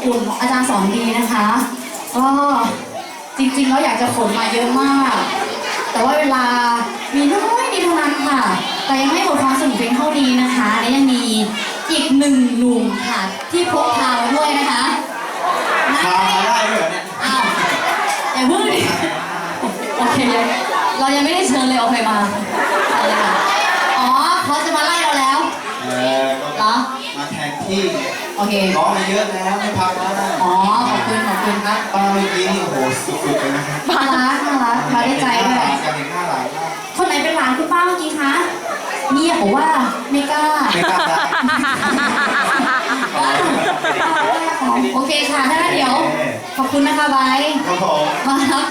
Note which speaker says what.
Speaker 1: อุ่นอาจารย์สอนดีนะคะก็จริงๆแล้วอยากจะขนมาเยอะมาก แต่ว่าเวลามีน้อยนิดเท่านั้นค่ะ แต่ยังไม่หมดความสนุกเพียงเท่านี้นะคะและยังมีอีกหนึ่งหนุ่มค่ะที่พกพามาด้วยนะคะ
Speaker 2: พามาได้ด้วยเหรอเนี่ย
Speaker 1: อ้าวอย่าเพิ่งดิโอเคเรายังไม่ได้เชิญเลยโอเคมาอะไรค่ะอ๋อเขาจะมาไล่เราแล้ว
Speaker 2: ก็
Speaker 1: เหรอ
Speaker 2: มาแทนที่
Speaker 1: โอเค
Speaker 2: ร้องมาเยอะแล้วไม่พักแล้วนะ
Speaker 1: อ๋อขอบคุณครับ
Speaker 2: ป้าเมื่อกี้นี่โอ้โหสุดๆเลยนะครับ
Speaker 1: น่ารักมาได้ใจด้วย
Speaker 2: การเห็นหน้าหลานมาก
Speaker 1: คนไหนเป็นหลานคุณป้าเมื่อกี้คะเงียบบอกว่าไม่กล้า
Speaker 2: ไม่กล้าได้
Speaker 1: โอเคค่ะถ้างั้นเดี๋ยว ขอบคุณนะคะไบร์ท
Speaker 2: ครับผม
Speaker 1: มาครับ